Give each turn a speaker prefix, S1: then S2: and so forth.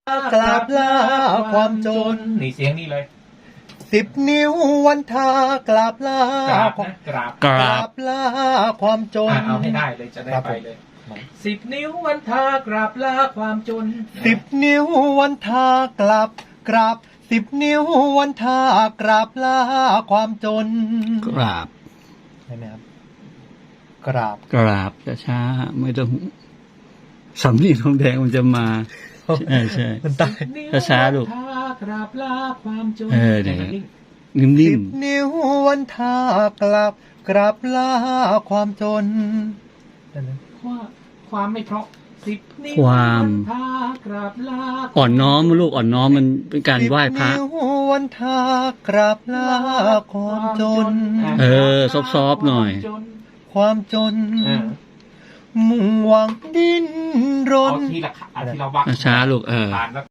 S1: กราบลาความจน
S2: นี่เสียงนี่เลย
S1: 10 นิ้ววันทากราบลาก
S2: ราบนะกราบ
S3: ก
S1: ก
S3: รา
S1: รา
S3: บบ
S1: ลาความจน
S2: เอาให้ได้เลยจะได้ไปเลย 10 นิ้ววันทากราบลาความจน
S1: 10 นิ้ววันทากราบ10 นิ้ววันทากราบลาความจน
S3: กราบ
S1: ใช่ไหมครับกราบ
S3: กราบช้าๆไม่ต้องสำลีทองแดงมันจะมาใช่ใช่
S1: มันตาย
S3: ช้าๆลูก
S2: 10 นิ้ววันทากราบลาความจน
S3: เนี่ย
S2: นิ่ง
S3: นิ่ม
S1: 10 นิ้ววันทากราบลาความจนนั่นนะ
S2: ความไม่เพราะ10 นิ้ว
S3: ความ
S2: วันทากราบลา
S3: ๆอ่อนน้อมลูกอ่อนน้อมมันเป็นการไหว้พระ
S1: 10 นิ้ววันทากราบลาความจน
S3: เออซอฟๆหน่อย
S1: ความจน มุ่งหวังดิ้นร
S2: เอา
S1: น
S2: ทีละที่เราวัก
S3: ช้าๆลูก
S2: ผ่านแล้ว